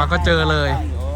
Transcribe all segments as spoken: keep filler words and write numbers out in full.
ก็เจอเลย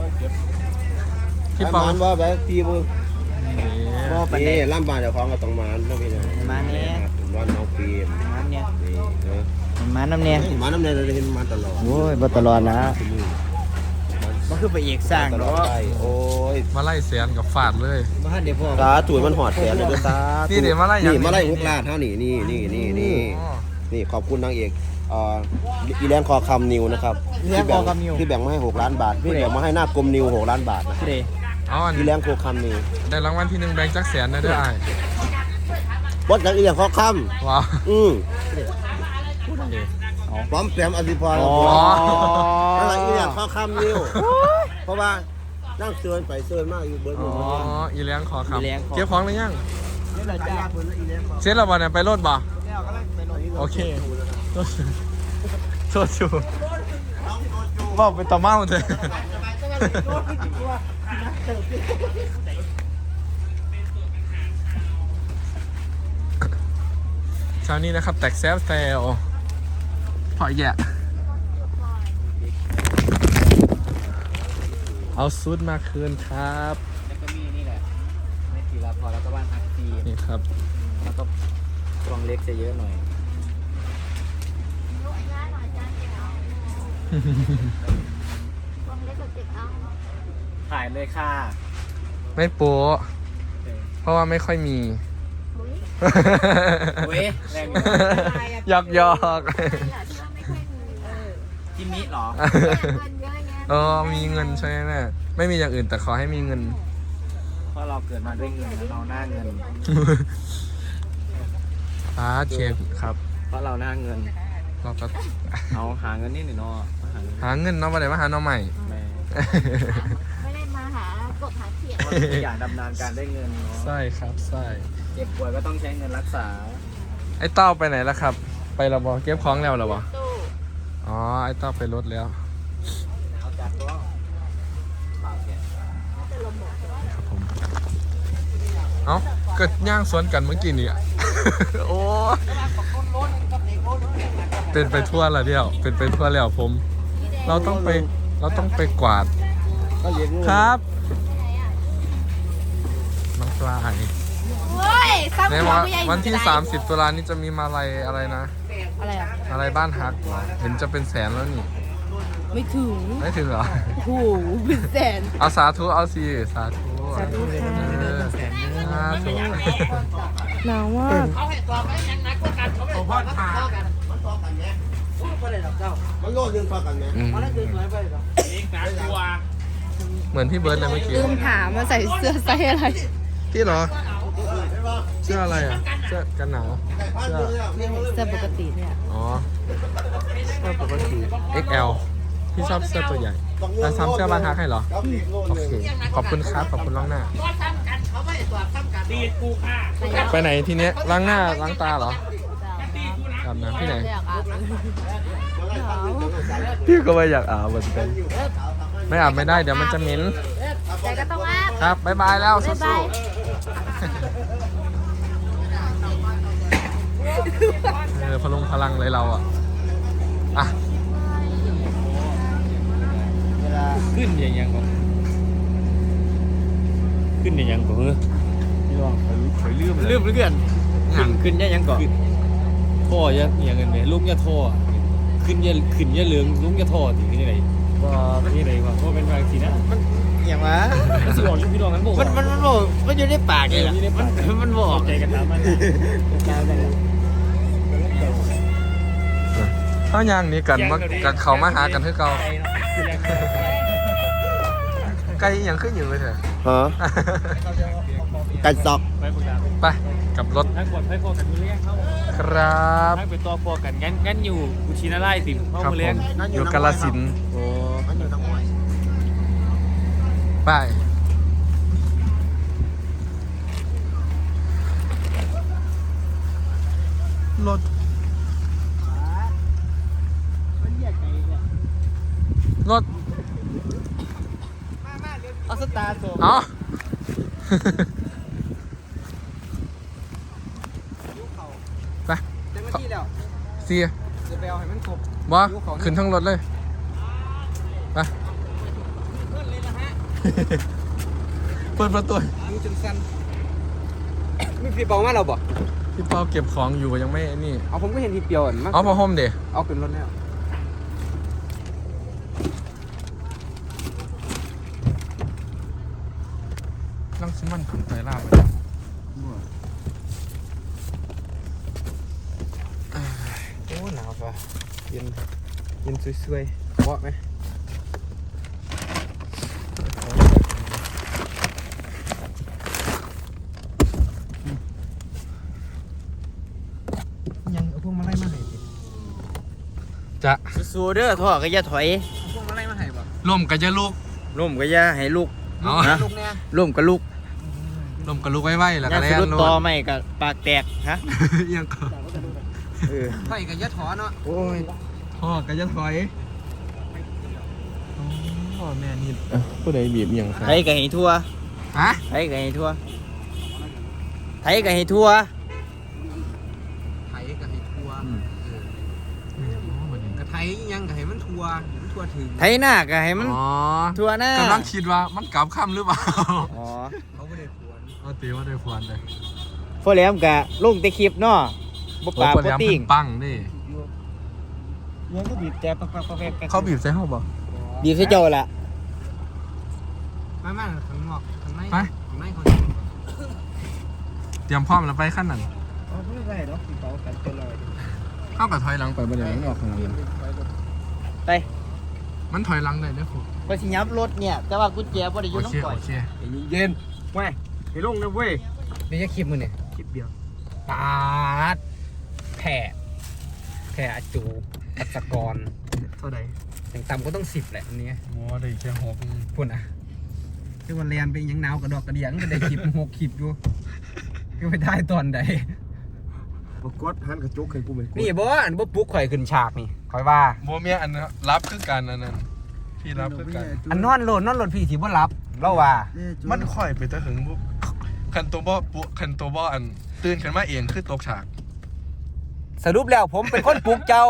พี่ปองว่าแบบพี่บุว่าไปนี่ล่ำบานเจ้าของก็ต้องมาต้องพี่เนี่ยมาเนี่ยวันน้องปีมาเนี่ยมาน้ำเนี่ยมาน้ำเนี่ยเราเห็นมาตลอดโอ้ยมาตลอดนะมันคือไปเอกสร้างเนาะโอ้ยมาไล่เสียนกับฝาดเลยมาเดี๋ยวพ่อตาถุยมันหอดแขนเลยตานี่เดี๋ยวมาไล่นี่มาไล่ฮุกลาดเท่านี้นี่นี่นี่นี่นี่ขอบคุณนางเอกอีแรงคอคำนิวนะครับที่แบ่งที่แบ่งมาให้หกล้านบาทที่แบ่งมาให้หน้ากลมนิวหกล้านบาทนะอีแรงโคคำนิวได้รางวัลที่หนึ่งแบงค์จักแสนนะเด้อไอ้บดจากอีแรงคอคำว้าวอืมพร้อมแปมอธิพรอะไรอีแรงคอคำนิวเพราะว่านั่งเตือนไปเตือนมากอยู่เบิร์ดอ๋ออีแรงคอคำเก็บของหรือยังเซ็ตเราบอลเนี่ยไปรถบ่โอเคโทษชูบอกไปต่อเมาเลยเช้านี้นะครับแตกแซฟแซลพอแย่เอาซุดมาคืนครับแล้วก็มีนี่แหละไม่ทีละพอแล้วก็บ้านฮักซีนี่ครับแล้วก็กล่องเล็กจะเยอะหน่อยถ่ายเลยค่ะไม่โป๊ะเพราะว่าไม่ค่อยมีเว้ยแรงหยอกหยอกจิมมี่หรอเออมีเงินใช่ไหมไม่มีอย่างอื่นแต่ขอให้มีเงินเพราะเราเกิดมาด้วยเงินเราหน้าเงินอ่าเชฟครับเพราะเราหน้าเงินเราก็เอาหาเงินนี่หน่อยเนาะหาเงินเนาะมาเลยมาหาน้องใหม่ไม่ได้มาหากบหาเขียนอย่างดำเนินการได้เงินเนาะใช่ครับใช่เจ็บป่วยก็ต้องใช้เงินรักษาไอ้เต้าไปไหนแล้วครับไปแล้วบ่เก็บของแล้วหรอบ่อ๋อไอ้เต้าไปรถแล้วครับผมเอ้าเกิดย่างสวนกันเมื่อกี้นี่โอ้เป็นไปทั่วละเดียวเป็นไปทั่วแล้วผมเราต้องไปเราต้องไปกวาดครับน้องปลายในวันที่สามสิบตุลานี้จะมีมาลัยอะไรนะอะไรอะอะไรบ้านฮักเห็นจะเป็นแสนแล้วนี่ไม่ถึงไม่ถึงเหรอโอ้โหเป็นแสนเอาสาธุเอาสิสาธุสาธุค่ะสาธุหนาวมากเขาให้ตอบไม่ยังนักกันเขาไม่พอดผ่ามันโลดเรื่องพอกันไหมมันเรื่องสวยไปหรอเหมือนพี่เบิร์ดเลยเมื่อกี้ลืมถามมาใส่เสื้อไซส์อะไรพี่เหรอเสื้ออะไรอ่ะเสื้อกันหนาวเสื้อเสื้อปกติเนี่ยอ๋อเสื้อปกติ เอ็กซ์ แอล พี่ชอบเสื้อตัวใหญ่แล้วซ้ำเสื้อบ้านฮักให้เหรอโอเคขอบคุณครับขอบคุณล้างหน้าไปไหนทีเนี้ยล้างหน้าล้างตาเหรออาบน้ำที่ไหนพี่ก็ไม่อยากอาบเหมือนกันไม่อาบไม่ได้เดี๋ยวมันจะเหม็นแต่ก็ต้องอาบครับบ๊ายบายแล้วสู้ๆเออพลุงพลังเลยเราอ่ะอ่ะขึ้นอย่างยังก่อนขึ้นอย่างยังก่อนเฮ้ยพี่ลองคอยลืมลืมเรื่องขึ้นขึ้นอย่างยังก่อนท่อยังอย่างเงินไหมลุงยาท่อขึ้นยาขึ้นยาเหลืองลุงยาท่อถึงที่ไหนว่าที่ไหนวะเพราะเป็นบางทีนะมันอย่างวะมันสวดพี่ลองมันบอกมันมันมันบอกมันอยู่ในปากเลยมันมันบอกใจกันตามมันเขาย่างนี้กันมากันเขามาหากันที่เก่าไก่ยังขึ้นอยู่เลยเถอะฮะไก่ซอกไปกับรถทั้งหมดให้พอกันมือเลี้ยงเข้าครับทั้งเป็นตัวพอกันงั้นงั้นอยู่กุชินาไล่ติ่มเข้ามือเลี้ยงอยู่กาฬสินธุ์โอ้อยู่ทั้งหมดไปรถรถเอาสตาร์ส่งอ๋อไปเสียจะไปเอาให้มันครบบ่ขึ้นทั้งรถเลยไปเปิดประตูมือจนสั่นมีพี่เปามาเราบ่พี่เปาเก็บของอยู่ยังไม่นี่เอาผมก็เห็นพี่เปียวมาเอาพอห่มเดี๋ยเอาขึ้นรถแล้วลังซิมันขึ้นไตล่าไปโอ้หนาวป่ะเย็นเย็นสวยๆเพราะไหมยังเอาพวกมาไล่มาให้ดิจะสู้เด้อท่อก็อย่าถอยพวกมาไล่มาให้บ่ลมกับจะลูกล่มก็อย่าให้ลูกเอานะล่มก็ลูกลมกับลูกไว้ๆแล้วอก็ย่าแล่สะดุดนโน่ต่อน ไม่ก็ปากแตกฮะยังก็เออไผ่กับยะถอเนาะโอ้ยพ่อกับจะถอยพ่อแม่นี่ผู้ใดบีบยังครัไทยก็ให้ทั่วฮะไทยก็ให้ทั่วไทยก็ให้ทั่วไผ่กับให้ทัวกระไทยยังกับให้มันทัวมันทัวถึงไทยหน้าก็ให้มันอ๋อทั่วหน้ากำลังคิดว่ามันกลับค่ำหรือเปล่าอ๋อเขาไม่ได้ควรเอาตีว่าได้พวนเลยพอแหลมก็ลงแต่คลิปเนาะบ่ปากโอ้บ่ยติ่งปังดิยังก็บีบแต่ปักปักปักปักเขาบีบใส่ห้องบ่บีบใส่เจ้าล่ะไม่ไม่ข้างนอกข้างในไปข้างในเขาเตรียมพร้อมแล้วไปขั้นนั้นอ๋อไม่ได้ดอกพี่เปากันเป็นไรเข้ากับถอยหลังไปบ่ได้มันออกข้างหลังไปมันถอยหลังได้เด้อครูไปสิยับรถเนี่ยแต่ว่ากุญแจบ่ได้อโอยู่ เคน้ำก่อโอน เคเย็นเว้ยไปลงนะเว้ยเดี๋ยวจะคลิปมือเนี่ยคลิปเดียวปาดแผ่แผ่อาจูปัสกรเท่าใดอย่างต่ำก็ต้องสิบแหละอันนี้โอ้ได้แค่หกพูดอ่ะคือวันเรียนไปยังหนาวกระดอกกระเดียงก็ได้คลิปหกคลิปอยู่ก็ไม่ได้ตอนใดบ่กดหันกระจกให้กูไหมนี่บ่อันบ่ปลุ๊กข่อยขึ้นฉากนี่ข่อยว่าโมเมียอันนั้นรับคือกันอันนั้นพี่รับคือกันอันนอนโลดนอนโลดพี่สิบ่รับเล่าว่ามันค่อยไปแตะหึงบุคันตัวบ่ปุคันตัวบ่อันตื่นขึ้นมาเองคือตกฉากสรุปแล้วผมเป็นคนปลุกเจ้า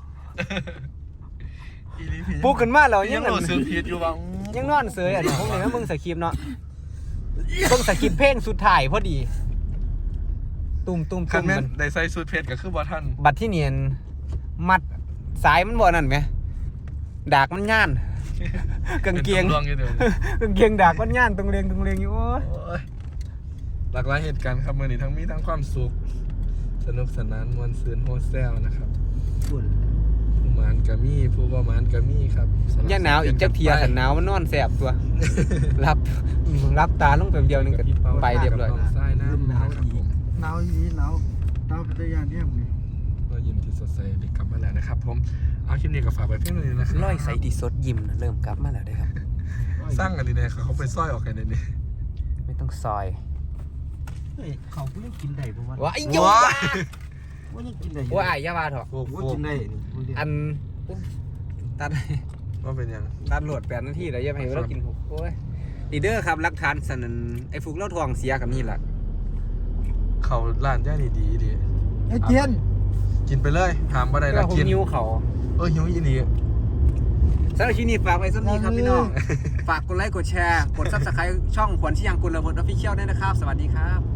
อีหลีพี่ปลุกขึ้นมาแล้วยัยัง งโหลดซื้อพีดอยู่ว่ายังนอนเสยอันนี้ผมเนี่ยมึงสคริปต์เนาะเบิ่งสคริปต์เพลงสุดท้ายพอดี ตุ่มตุ่มคัตุ่นมแม่นมันได้ใส่สูทเพชรก็คือบ่ทันบัดที่เนียนมัดสายมันบ่นั่นไหมดากมันย่านกางเกงป็นตำรวจอยู่เดี๋ยวนี้กางเกงดากมันย่านตรงเรียงตรงเรียงอยู่โอ้ยโอ้ยหลากหลายเหตุการณ์ครับมื้อนี้ทั้งมีทั้งความสุขสนุกสนานม่วนซื่นโฮแซลนะครับผู้หมานก็มีผู้บ่หมานก็มีครับสลับย่าหนาวอีกจักเทียสันหนาวมันนอนแสบตัว รับรับตาลงแป๊บเดียวนึงก็ไปเรียบร้อยกับน้องทรายน้ำนะครับผมหนาวอีหนาวหนาวเป็นยานเนี่ยมึงก็ยิ้มที่สดใสเด็กกลับมาแล้วนะครับผมเอาคลิปนี้ก็ฝากไปเพียงเท่านี้นะครับร้อยใส่ดีสดยิ้มนะเริ่มกลับมาแล้วเด้อครับสร้างกันดีเนี่ยเขาไปซ้อยออกกันในนี้ไม่ต้องซอยเฮ้ยเขากูยังกินได้บ่วะว้าไอ้โยว้าว่ายังกินได้ว่าไอ้ยาบาเถอะโอ้โหว่ากินได้นี่อันตัดว่าเป็นยังตัดโหลดแปดนาทีแล้วอย่าไปให้เรากินหกโอ้ยดีเดอร์ครับรักฐานสันนันไอ้ฟุกเล่าทองเสียกับนี่แหละเขาร้านย่านี่ดีดีไอ้เจียนกินไปเลยถามว่าใดแล้ละวผมกินนิ้วเขาเออหิวอีนี่สำหรับที่นี่ฝากไว้สักนี้ครับพี่น้อง ฝากกดไลค์กดแชร์ กดซับสไครต์ช่องขวัญชิยังกุลระเบิดออฟฟิเชียลด้วยนะครับ สวัสดีครับ